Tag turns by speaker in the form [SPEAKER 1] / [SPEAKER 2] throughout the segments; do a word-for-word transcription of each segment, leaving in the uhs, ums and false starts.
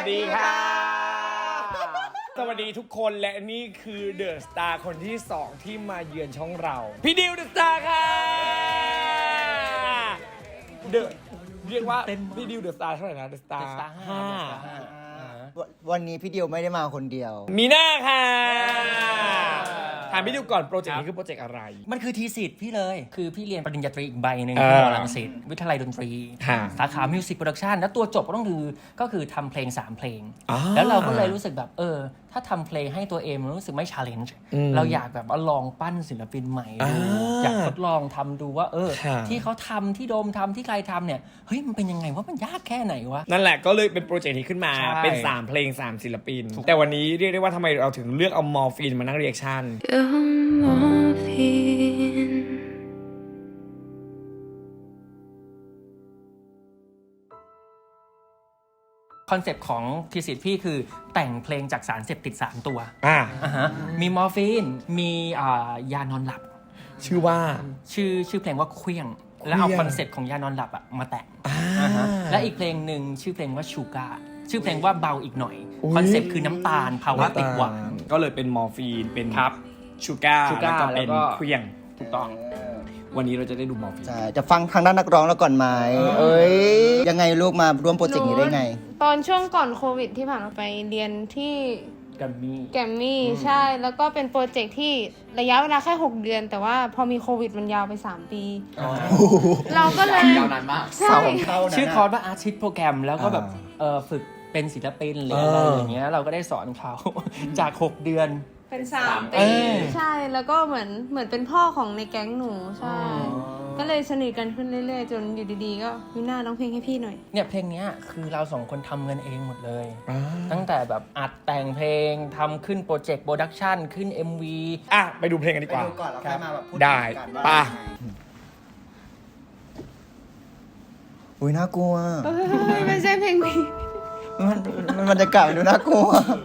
[SPEAKER 1] ดีค่ะสวัสดีทุกคนและนี่คือเดอะสตาร์คนที่สองที่มาเยือนช่องเราพี่ดิวเดอะสตาร์ค่ะเดอะเรียกว่าพี่ดิวเดอะสตาร์เท่าไหร่นะเดอะสตาร์ห้า
[SPEAKER 2] วันนี้พี่ดิวไม่ได้มาคนเดียว
[SPEAKER 1] มีหน้าค่ะถามพี่ดิวก่อนโปรเจกต์นี้คือโปรเจกต์อะไร
[SPEAKER 3] มันคือทีสิทธิ์พี่เลยคือพี่เรียนปริญญาตรีอีกใบหนึ่ง
[SPEAKER 1] เออ
[SPEAKER 3] ที่มอลังสิตวิทยาลัยดนตรี
[SPEAKER 1] ค่ะ
[SPEAKER 3] สาขามิวสิกโปรดักชันแล้วตัวจบก็ต้องคือก็คือทำเพลงสามเพลง
[SPEAKER 1] อ๋อ
[SPEAKER 3] แล้วเราก็เลยรู้สึกแบบเออถ้าทำเพลงให้ตัวเองมันรู้สึกไม่ชาเลนจ์
[SPEAKER 1] อืม
[SPEAKER 3] เราอยากแบบว่าลองปั้นศิลปินใหม่ดู
[SPEAKER 1] อ่า
[SPEAKER 3] อยากทดลองทำดูว่าเออ
[SPEAKER 1] ค่ะ
[SPEAKER 3] ที่เขาทำที่โดมทำที่ใครทำเนี่ยเฮ้ยมันเป็นยังไงว่ามันยากแค่ไหนวะ
[SPEAKER 1] นั่นแหละก็เลยเป็นโปรเจกต์นี้ขึ้นมา
[SPEAKER 3] ใช่
[SPEAKER 1] เป็นสามเพลงสามศิลปิน แต่วันนี้เรียกได้ว่าทำไมเราถึงเลือกเอามอร์ฟีนมานั่งเรียกชั่น
[SPEAKER 3] คอนเซปต์ของทีสิทธิ์พี่คือแต่งเพลงจากสารเสพติดสามตัว
[SPEAKER 1] อ่า
[SPEAKER 3] อ่าฮะมีมอร์ฟีนมีอ่ายานอนหลับ
[SPEAKER 1] ชื่อว่า
[SPEAKER 3] ชื่อชื่อเพลงว่าเคลี้ยง แล้วเอา
[SPEAKER 1] เคลี้ยง
[SPEAKER 3] คอนเซ็ปต์ของยานอนหลับอะมาแต่ง
[SPEAKER 1] อ่า
[SPEAKER 3] อ่าฮะและอีกเพลงหนึ่งชื่อเพลงว่าชูการ์ชื่อเพลงว่าเบาอีกหน่อย
[SPEAKER 1] อุ๊ย
[SPEAKER 3] คอนเซ็ปต์คือน้ำตาลภาวะติดหวาน
[SPEAKER 1] ก็เลยเป็นมอร์ฟีนเป็นชูการ์
[SPEAKER 3] ชู
[SPEAKER 1] แล้ว
[SPEAKER 3] การ์
[SPEAKER 1] ก็เป็น
[SPEAKER 3] แล้วก็
[SPEAKER 1] เครื่องถูกต้อง วันนี้เราจะได้ดูมอร์ฟีน
[SPEAKER 2] ใช่จะฟังทางด้านนักร้องแล้วก่อนไหมเอ้ยยังไงลูกมาร่วมโปรเจกต์นี้ได้ไง
[SPEAKER 4] ตอนช่วงก่อนโควิดที่ผ่านมาไปเรียนที่
[SPEAKER 3] กัมมี่
[SPEAKER 4] แกรมมี่ใช่แล้วก็เป็นโปรเจกต์ที่ระยะเวลาแค่หกเดือน แต่ว่าพอมีโควิดมันยาวไปสามปี เราก็เลยยาวนานมากใช่
[SPEAKER 2] เสาของเข้านะ
[SPEAKER 3] ชื่อคอร์สว่าอาร์ติสต์โปรแกรมแล้วก็แบบเออฝึกเป็นศิลปินหรืออะไร
[SPEAKER 1] เออ
[SPEAKER 3] อ
[SPEAKER 1] อ
[SPEAKER 3] ย่างเงี้ยเราก็ได้สอนเขา จากหกเดือน
[SPEAKER 4] เป็นสาม
[SPEAKER 3] เอ
[SPEAKER 4] ปี
[SPEAKER 3] อ
[SPEAKER 4] ใช่แล้วก็เหมือนเหมือนเป็นพ่อของในแก๊งหนูใช่ ก็เลยสนิทกันขึ้นเรื่อยๆ จนอยู่ดีๆ ก็มีหน้าร้องเพลงให้พี่หน่อย
[SPEAKER 3] เนี่ยเพลงเนี้ยคือเราสองคนทำเงินเองหมดเลย
[SPEAKER 1] อ่า
[SPEAKER 3] ตั้งแต่แบบอัดแต่งเพลงทำขึ้นโปรเจกต์โปรดักชันขึ้น เอ็ม วี
[SPEAKER 1] อ่ะไปดูเพลงกันดี
[SPEAKER 2] ไป
[SPEAKER 1] กว่า
[SPEAKER 2] ดูก่อนแล้วค่อยมาแบบพูด
[SPEAKER 1] ได้
[SPEAKER 2] กันว่า
[SPEAKER 1] ป่ะ
[SPEAKER 2] อุ้ยน่ากลัว
[SPEAKER 4] ไม่ใช่เพลงนี้
[SPEAKER 2] มันมันบรรยากาศมันดูน่ากลัว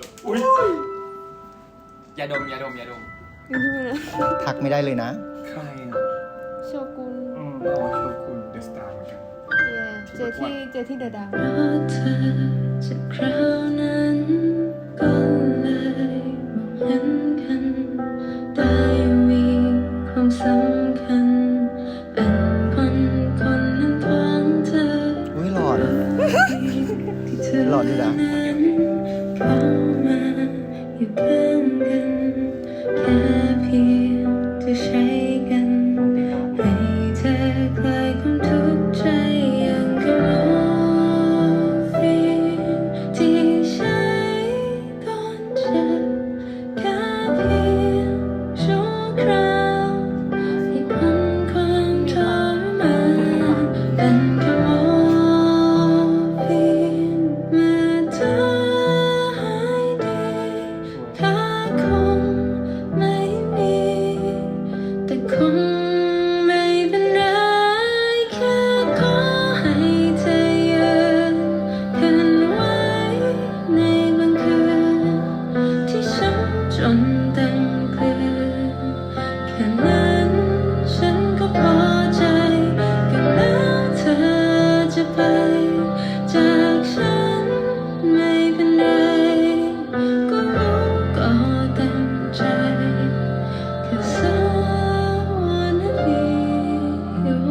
[SPEAKER 3] อย่าดมอย่าดมอย่าดม
[SPEAKER 2] ทักไม่ได้เลยนะ
[SPEAKER 1] ใครอ่ะ
[SPEAKER 4] โชกุน
[SPEAKER 1] อ๋อโชกุนเดอะสตาร์เหมือนกัน
[SPEAKER 4] เจอที่เจอที่เดอะดาว
[SPEAKER 5] เพราะเธอจากคราวนั้นก็เลยมองเห็นกันได้มีความสำคัญเป็นคนคนหนึ่งของเธอ
[SPEAKER 2] อุ้ยหลอด
[SPEAKER 5] ที่เธอ
[SPEAKER 2] หลอดดีนะ
[SPEAKER 5] เข้ามาอยู่ข้างกันแค่เพียงจะใช้กันให้เธอคลายความทุกข์ใจอย่างกับโมฟีนที่ใช้ก่อนเจ็บแค่เพียงชั่วคราวให้พ้นความทรมานเป็นแค่โมฟีนเมื่อเธอหายดีค่าคงไม่มีแต่คงไม่เป็นไรแค่ขอให้เธอยืนคืนไว้ในบางคืนที่ฉันจนเต็มเกลือนแค่นั้นฉันก็พอใจก็แล้วเธอจะไปจากฉันไม่เป็นไรก็รู้ก็เต็มใจ 'Cause I wanna be your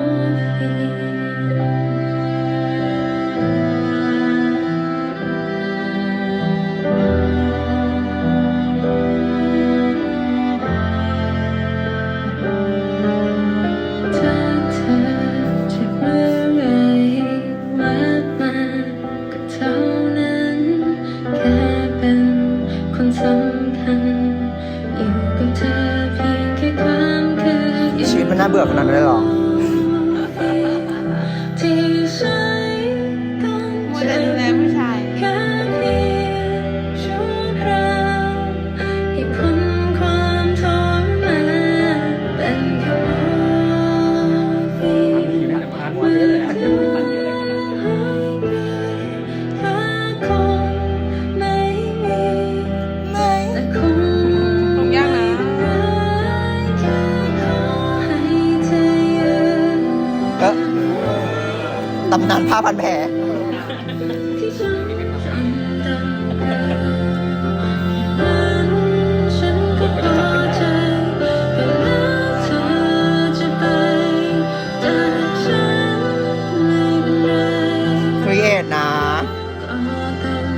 [SPEAKER 5] morphine ถ้าเธอจะเมื่อไรแวะมาก็เท่านั้นแค่เป็นคนสำคัญอยู่กับเธอเพียงแค่ความคืน
[SPEAKER 2] ชีวิตมันน่าเบื่อขนาดนั้นเลยเหรอ
[SPEAKER 5] ที่ใช้ก่อน
[SPEAKER 4] โม
[SPEAKER 5] เธ
[SPEAKER 4] เดล
[SPEAKER 5] อ
[SPEAKER 4] ดูแลผู้ชาย
[SPEAKER 5] แค่เพียงชั่วคราวให้พ้นความทรมานเป็นแค่โมฟีนเมื่อเธอหายดีค่าคงไม่มีแต่คง
[SPEAKER 4] ตรงยากนะ
[SPEAKER 5] แค่ขอให้เธอยืน
[SPEAKER 2] เอ๊ะตำนานผ้าพันแผล
[SPEAKER 5] ที่ฉันจำ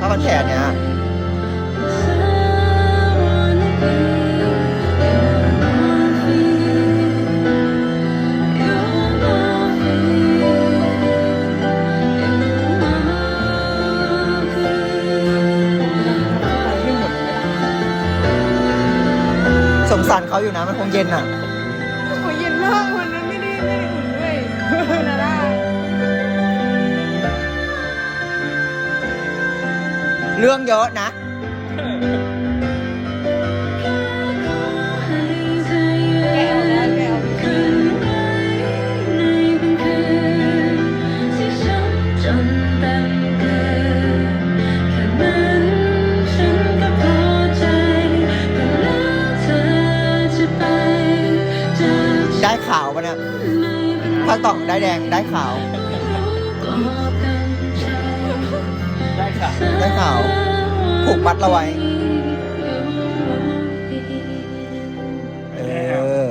[SPEAKER 2] พันแผลเนี้ย สงสารเขาอยู่นะมันคงเย็นอ่ะ
[SPEAKER 4] โอ้ยเย็นมากวันนั้นไม่ได้ไม่ได้อุ่นด้วยนาด้า
[SPEAKER 2] เรื่องเยอะนะ
[SPEAKER 4] แกเอาแล้วแกเอา
[SPEAKER 5] จนเต็มเกินแค่นั้นฉันก็พอใจก็แล้วเธอจะไปจากฉัน
[SPEAKER 2] ได้ขาวปะเนี่ยถ้าตอกได้แดงได้ขาว
[SPEAKER 5] ก็เป็นใจ
[SPEAKER 3] ได้ค่ะ
[SPEAKER 2] ได้ขาว ผูกมัดเราไว้ เออ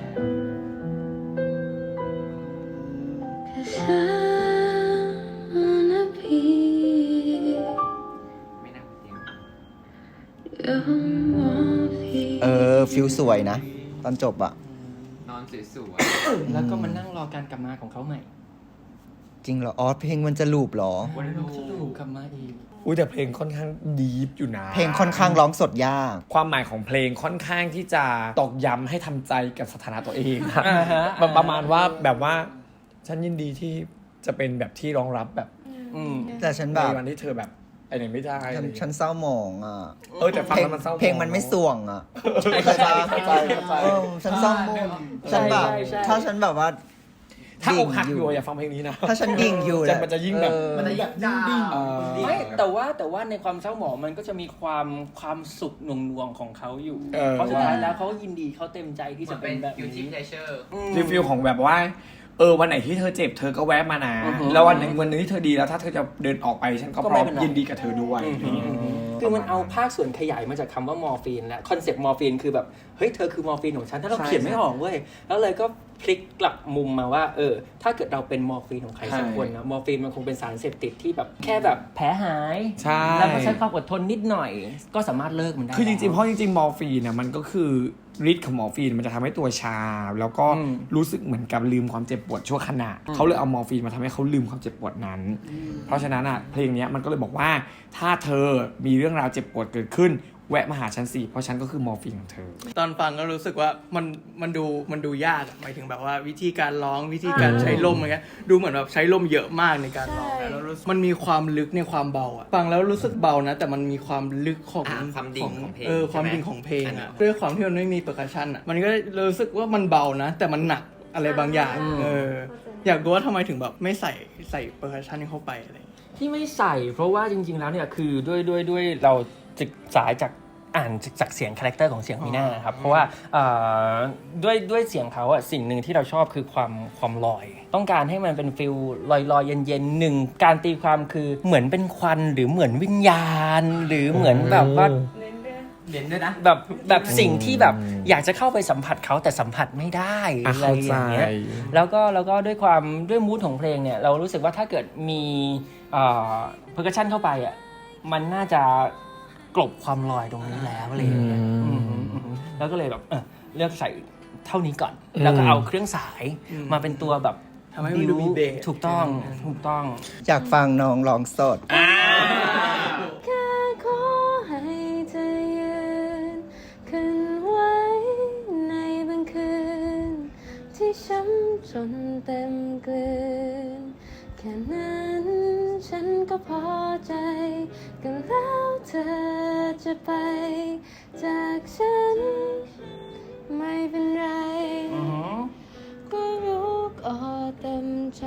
[SPEAKER 2] เออ ฟิลสวยนะ ตอนจบอะ
[SPEAKER 6] นอนสวย
[SPEAKER 3] แล้วก็มานั่งรอการกลับมาของเขาใหม่
[SPEAKER 2] จริงเหรอ อ๋อ เพลงมันจะลูปเหรอ
[SPEAKER 3] วันลูกจะลูกกลับมาอีก
[SPEAKER 1] อุ้ยแต่เพลงค่อนข้างดีฟอยู่นะ
[SPEAKER 2] เพลงค่อนข้างร้องสดยาก
[SPEAKER 1] ความหมายของเพลงค่อนข้างที่จะตอกย้ำให้ทำใจกับสถานะตัวเองนะ
[SPEAKER 3] อ่าฮะ
[SPEAKER 1] ประประมาณว่าแบบว่า ฉันยินดีที่จะเป็นแบบที่รองรับแบบ
[SPEAKER 3] อืม
[SPEAKER 2] แต่ฉันแบ
[SPEAKER 1] ใน
[SPEAKER 2] บ
[SPEAKER 1] วันที่เธอแบบไอ้ไหนไม่ได้
[SPEAKER 2] ฉันฉันเศร้าหมองอ่ะ
[SPEAKER 1] เออแต่ฟัง
[SPEAKER 2] เพลง
[SPEAKER 1] แล้วมันเศร้า
[SPEAKER 2] เพลงมันไม่สวงอ่ะ
[SPEAKER 3] เข้าใจเข้าใจเข้าใจ
[SPEAKER 2] เออฉันเศร้าหมองฉันแบบ
[SPEAKER 3] ใช่ใช่
[SPEAKER 2] ถ้าฉันแบบว่า
[SPEAKER 1] ถ้าอกหัก
[SPEAKER 2] ดิ่ง
[SPEAKER 1] อยู่อย่าฟังเพลงนี้นะ
[SPEAKER 2] ถ้าฉันดิ่งอยู่
[SPEAKER 1] จะมันจะยิ่งแบบ
[SPEAKER 2] เออ
[SPEAKER 6] ๆ มันจะอยากดิ้ง
[SPEAKER 1] เออ
[SPEAKER 3] ไม่แต่ว่าแต่ว่าในความเศร้าหมองมันก็จะมีความความสุขหน่วงหน่วงๆของเขาอยู่
[SPEAKER 1] เออ
[SPEAKER 3] เพราะสุดท้ายแล้วเขายินดีเขาเต็มใจที่จะ
[SPEAKER 6] จะ
[SPEAKER 3] เป็
[SPEAKER 6] เป็น น
[SPEAKER 3] แบบ
[SPEAKER 6] ยูทิ
[SPEAKER 3] นี้
[SPEAKER 6] ปเลเชอร์
[SPEAKER 3] อืม
[SPEAKER 1] รีวิวของแบบว่า เออวันไหนที่เธอเจ็บเธอก็แวะมานะ
[SPEAKER 3] อือฮึ
[SPEAKER 1] แล้ววันหนึ่งวันหนึงที่เธอดีแล้วถ้าเธอจะเดินออกไปฉันก็
[SPEAKER 3] ก็
[SPEAKER 1] พ
[SPEAKER 3] ไม่
[SPEAKER 1] ร้อม
[SPEAKER 3] เป็นไร
[SPEAKER 1] ยินดีกับเธอด้วย
[SPEAKER 3] อืม
[SPEAKER 1] อะไรอย่างเงี้ย
[SPEAKER 3] คือมันเอาภาคส่วนขยายมาจากคำว่ามอร์ฟีนและคอนเซปต์มอร์ฟีนคือแบบเฮ้ยเธอคือมอร์ฟีนของฉันถ้าเรา
[SPEAKER 1] ใช่
[SPEAKER 3] เขียนไม่ออกเว้ยแล้วเลยก็พลิกกลับมุมมาว่าเออถ้าเกิดเราเป็นมอร์ฟีนของใครสักคนนะมอร์ฟีนมันคงเป็นสารเสพติดที่แบบแค่แบบแผลหาย
[SPEAKER 1] ใช่
[SPEAKER 3] แล้วก็ใช้ความอดทนนิดหน่อย ก็สามารถเลิกมันได้
[SPEAKER 1] คือจริงๆเพราะจริงๆมอร์ฟีนเนี่ยมันก็คือฤทธิ์ของมอร์ฟีนมันจะทำให้ตัวชา แล้วก็
[SPEAKER 3] อืม
[SPEAKER 1] รู้สึกเหมือนกับลืมความเจ็บปวดชั่วขณะเขาเลยเอามอร์ฟีนมาทำให้เขาลืมความเจ็บปวดนั้น เพราะฉะนั้นอ่ะเพลงเนี้ยมันก็เลยบอกว่าถ้าเธอมีเรื่องราวเจ็บปวดเกิดขึ้นแวะมาหาฉันสิเพราะฉันก็คือมอร์ฟีนของเธอ
[SPEAKER 7] ตอนฟังก็รู้สึกว่ามันมันดูมันดูยากอะหมายถึงแบบว่าวิธีการร้องวิธีการใช้ลมอะไรเงี้ยดูเหมือนแบบใช้ลมเยอะมากในการร้องนะแล้วรู้สึกมันมีความลึกในความเบาอะฟังแล้วรู้สึกเบานะ แต่มันมีความลึกของ
[SPEAKER 6] อ่าความดิ่งของเพลง
[SPEAKER 7] เออ
[SPEAKER 6] ใช่ไหม
[SPEAKER 7] ความดิ่งของเพลง
[SPEAKER 6] อันนั้
[SPEAKER 7] อะ
[SPEAKER 6] น
[SPEAKER 7] ด้วยความที่มันไม่มีเปอร์คัชชันอะมันก็รู้สึกว่ามันเบานะ แต่มันหนักอะไรบางอย่างเอออยากรู้ว่าทำไมถึงแบบไม่ใส่ใส่เปอร์คัชชันเข้าไปอะไรอย่างเงี้ย
[SPEAKER 3] ที่ไม่ใส่เพราะว่าจริงๆแล้วเนี่ยคือด้วยด้วยด้วยเราศึกษาจากอ่านจากเสียงคาแรคเตอร์ของเสียงมีน่าครับเพราะว่าเอ่อด้วยด้วยเสียงเขาอะสิ่งหนึ่งที่เราชอบคือความความลอย ต้องการให้มันเป็นฟิลลอยลอยเย็นเย็นๆหนึ่งการตีความคือเหมือนเป็นควันหรือเหมือนวิญญาณ หรือเหมือนแบบว่า
[SPEAKER 6] เด่นด้วยนะ
[SPEAKER 3] แบบแบบสิ่งที่แบบอยากจะเข้าไปสัมผัสเขาแต่สัมผัสไม่ได้
[SPEAKER 1] อ่ะ
[SPEAKER 3] อะไร
[SPEAKER 1] เข้า
[SPEAKER 3] อ
[SPEAKER 1] ใจ
[SPEAKER 3] ย่างเงี้ยแล้วก็แล้วก็ด้วยความด้วยมูดของเพลงเนี่ยเรารู้สึกว่าถ้าเกิดมีเอ่อเพอร์คัชชันเข้าไปอ่ะมันน่าจะกลบความลอยตรงนี้แล้วอะไรอย่างเงี้ยอืมอืมอืมแล้วก็เลยแบบเออเลือกใส่เท่านี้ก่อน แล้วก็เอาเครื่องสายมาเป็นตัวแบบ
[SPEAKER 7] ทำให้มันดูมีเบส
[SPEAKER 3] ถูกต้องถูกต้อง
[SPEAKER 2] อยากฟังน้องร้องสด
[SPEAKER 5] แค่ขอให้เธอยืนขึ้นไว้ในบางคืนที่ช้ำจนเต็มเกลือนแค่นั้นฉันก็พอใจก็แล้วเธอจะไปจากฉันไม่เป็นไร
[SPEAKER 3] อือหือ
[SPEAKER 5] ก็รู้ก็เต็มใจ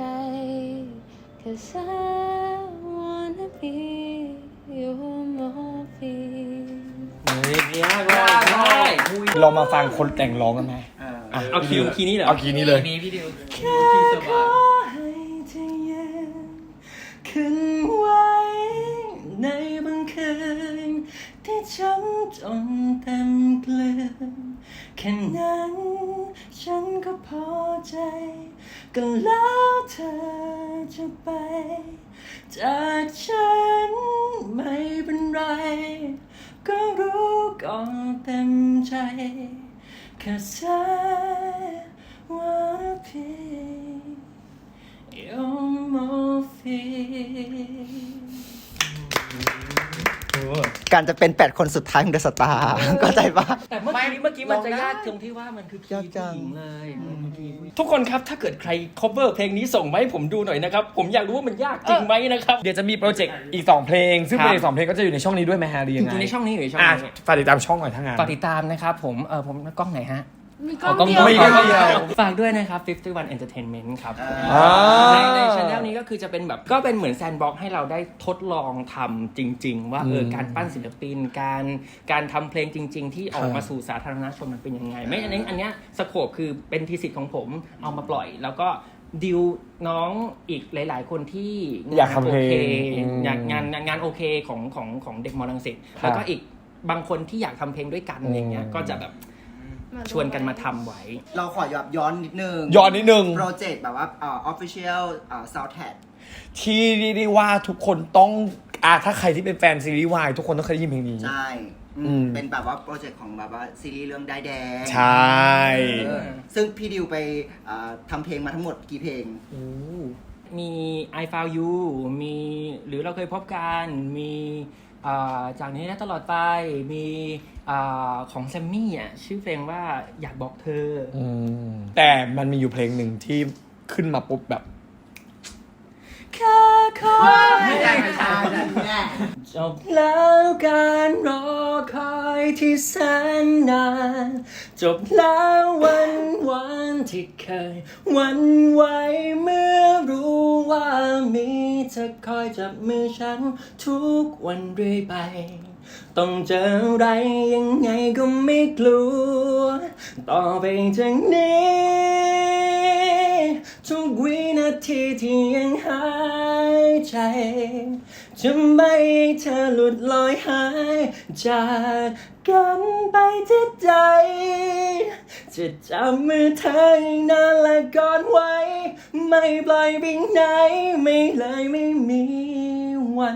[SPEAKER 5] 'Cause I wanna be your morphine
[SPEAKER 3] เฮ้ยยากเลยใช่
[SPEAKER 1] ลองมาฟังคนแต่งร้องกันไหมะ
[SPEAKER 3] เอาคีย์คีย์นี้เหรอ
[SPEAKER 1] เอาคีย์นี้เลย
[SPEAKER 6] นี้พี่ดิว
[SPEAKER 7] แค่ขอให้เธอยืนขึ้นไว้ในบางคืนที่ช้ำจนเต็มเกลือนแค่นั้นฉันก็พอใจก็แล้วเธอจะไปจากฉันไม่เป็น 'Cause I wanna be your morphine
[SPEAKER 2] การจะเป็นแปดคนสุดท้ายของเดอะสตาร์เข้าใจปะ
[SPEAKER 3] แต่เมื่อกี้เมื่อกี้มันจะยากตรงที่ว่ามันคือคีย์
[SPEAKER 2] ยากจั
[SPEAKER 3] ผู้
[SPEAKER 2] ง
[SPEAKER 3] หญิงเลยทุกคนครับถ้าเกิดใคร cover เพลงนี้ส่งมาให้ผมดูหน่อยนะครับ ผมอยากรู้ว่ามันยากจริงไหมนะครับ
[SPEAKER 1] เดี๋ยวจะมีโปรเจกต์อีกสองเพลง ซึ่ง
[SPEAKER 3] ครับ
[SPEAKER 1] เพลงสองเพลงก็จะอยู่ในช่องนี้ด้วยไหมฮะหรือยังไง
[SPEAKER 3] อยู่ในช่องนี้อยู่ในช่อง
[SPEAKER 1] อ่ะ
[SPEAKER 3] นี้
[SPEAKER 1] ฝากติดตามช่องหน่อยทั้งงาน
[SPEAKER 3] ฝากติดตามนะครับผมเออผมกล้องไหนฮะ
[SPEAKER 4] มีกล้อง
[SPEAKER 3] กล้อง
[SPEAKER 4] เดียว
[SPEAKER 3] ไม่
[SPEAKER 1] กล้
[SPEAKER 3] กล้
[SPEAKER 1] อ
[SPEAKER 3] อง ง
[SPEAKER 1] เดี
[SPEAKER 3] เดี
[SPEAKER 1] ย
[SPEAKER 3] ยว วฝากด้วยนะครับ ห้าสิบเอ็ด Entertainment ครับ
[SPEAKER 1] อ่า
[SPEAKER 3] ในในช anel นี้ก็คือจะเป็นแบบก็เป็นเหมือนแซนด์บ็อกซ์ให้เราได้ทดลองทำจริง ๆ ว่าเออการปั้นศิลปินการการทำเพลงจริง ๆ ที่ออกมาสู่สาธารณชนมันเป็นยังไง ไม่อันนี้อันเนี้ยสโคปคือเป็นทีสิทธิ์ของผมเอามาปล่อย แล้วก็ดิวน้องอีกหลาย ๆ คนที่
[SPEAKER 1] อยากทำเพลง
[SPEAKER 3] โอค
[SPEAKER 1] อืม
[SPEAKER 3] อยากงานงานโอเคของของของเด็กมอลังสิต
[SPEAKER 1] ครับ
[SPEAKER 3] แล้วก็อีกบางคนที่อยากทำเพลงด้วยกันอะไรเงี้ย
[SPEAKER 1] อืม
[SPEAKER 3] ก็จะแบบชวนกันมาทำไว้
[SPEAKER 2] เราขอย้อนย้อนนิดนึง
[SPEAKER 1] ย้อนนิดนึง
[SPEAKER 2] โปรเจกต์แบบว่าเอ่อ official เอ่อ soundtrack
[SPEAKER 1] ที่เรียกได้ว่าทุกคนต้องอ่ะถ้าใครที่เป็นแฟนซีรีส์วายทุกคนต้องเคยได้ยินเพลงนี้
[SPEAKER 2] ใช่อืม
[SPEAKER 1] อืม
[SPEAKER 2] เป็นแบบว่าโปรเจกต์ของแบบว่าซีรีส์เรื่องได้ายแดง
[SPEAKER 1] ใช่
[SPEAKER 2] เออซึ่งพี่ดิวไปเอ่อทำเพลงมาทั้งหมดกี่เพลง
[SPEAKER 3] มี I Found You มีหรือเราเคยพบกันมีอ่าจากนี้และตลอดไปมีอ่าของแซมมี่อ่ะชื่อเพลงว่าอยากบอกเธออ
[SPEAKER 1] อืมแต่มันมีอยู่เพลงหนึ่งที่ขึ้นมาปุ๊บแบบ
[SPEAKER 3] แค่ขอ
[SPEAKER 2] ไม่ใช่ไม่ใช่แน่
[SPEAKER 3] จบแล้วการรอคอยที่แสนนานจบแล้ววันวันที่เคยหวันไหวเมื่อรู้ว่ามีเธอคอยจับมือฉันทุกวันเรื่อยไป ต้องเจออะไรยังไงก็ไม่กลัว ต่อไปจากนี้ทุกวินาทีที่ยังหายใจ จะไม่ให้เธอหลุดลอยหายจากกันไปที่ใจ จะจับมือเธอให้นานและกอดไว้ ไม่ปล่อยไปไหนไม่เลยไม่มีวัน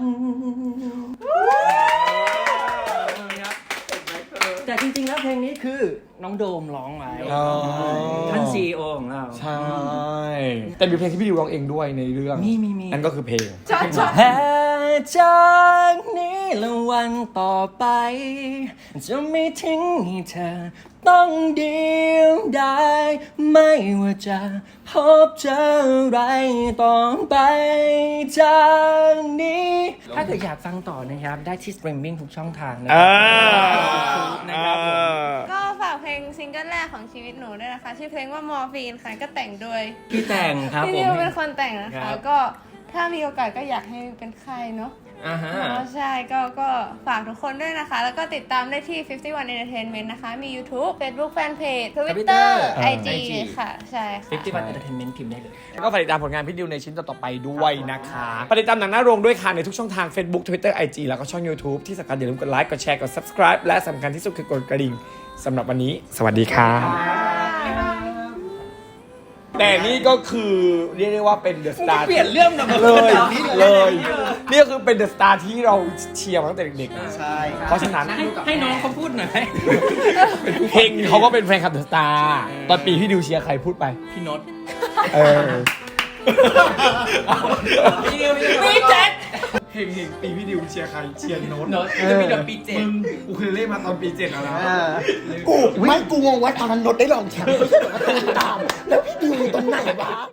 [SPEAKER 3] แต่จริงๆแล้วเพลงนี้คือน้องโดมร้องไว้
[SPEAKER 1] อ๋อ
[SPEAKER 3] ท่านซีอีโอของเรา
[SPEAKER 1] ใช่ แต่มีเพลงที่พี่ดิวร้องเองด้วยในเรื่อง
[SPEAKER 3] มีมีมี
[SPEAKER 1] นั่นก็คือเพลง
[SPEAKER 4] ช็อตช็อต
[SPEAKER 3] แพ้จากนี้และวันต่อไป จะไม่ทิ้งให้เธอต้องเดียวดายไม่ว่าจะพบเจออะไรต่อไปจากนี้ ถ้าเกิดอยากฟังต่อนะครับ ได้ที่สตรีมมิ่งทุกช่องทางนะค
[SPEAKER 1] อ่า
[SPEAKER 3] รันะครับผม
[SPEAKER 4] ก็ฝากเพลงซิงเกิลแรกของชีวิตหนูด้วยนะคะ ชื่อเพลงว่ามอร์ฟีนค่ะก็แต่งโดย
[SPEAKER 3] พี่แต่งครับ
[SPEAKER 4] พี่
[SPEAKER 3] ผม
[SPEAKER 4] นิวเป็นคนแต่งนะ
[SPEAKER 3] ครั
[SPEAKER 4] คะ
[SPEAKER 3] บ
[SPEAKER 4] ก็ถ้ามีโอกาสก็อยากให้เป็นค่ายเนาะ
[SPEAKER 3] อ่าฮะ
[SPEAKER 4] อ๋อใช่ก็ก็ฝากทุกคนด้วยนะคะ แล้วก็ติดตามได้ที่ ห้าสิบเอ็ด Entertainment นะคะ มี YouTube Facebook Fanpage Twitter ไอ จี ค่ะ ใช่ค่ะ
[SPEAKER 3] ฟิฟตี้วันเอนเตอร์เทนเมนต์พิมพ์ได้เลย
[SPEAKER 1] ก็ฝากติดตามผลงานพี่ดิวในชิ้นต่อๆไปด้วยนะคะฝากติดตามหนังหน้าโรงด้วยค่ะในทุกช่องทาง Facebook Twitter ไอ จี แล้วก็ช่อง YouTube ที่สำคัญอย่าลืมกดไลค์กดแชร์กด Subscribe และสำคัญที่สุดคือกดกระดิ่งสำหรับวันนี้ สวัสดีค่ะ แต่นี่ก็คือเรียกได้ว่าเป็นเดอะสตาร์
[SPEAKER 3] เปลี่ยนเรื่องแบบ
[SPEAKER 1] เลยเลยนี่ก็คือเป็นเดอะสตาร์ที่เราเชียร์มาตั้งแต่เด็กๆ
[SPEAKER 2] ใช่
[SPEAKER 1] เพราะฉะนั้น
[SPEAKER 3] ให้ให้น้องเขาพูดหน่อย
[SPEAKER 1] เพลงเขาก็เป็นแฟนคลับเดอะสตาร์ตอนปีพี่ดิวเชียร์ใครพูดไป
[SPEAKER 3] พี่นนท์
[SPEAKER 1] เออ
[SPEAKER 3] พี่แจ็ค
[SPEAKER 1] เพลงเพลงปีพี่ดิวเชียร์ใครเชียร์โน้ต
[SPEAKER 3] นนท์จะมีเดอะปีเจ็ด
[SPEAKER 1] มึงกูเคยเล่นมาตอนปีเจ็ดแล้วนะ
[SPEAKER 2] กูไม่กูงงว่าตอนนั้นนดได้ลองแชมป์ไม่ใช่เหรอตูนตาม แล้วพี่ดิวอยู่ตรงไหนวะ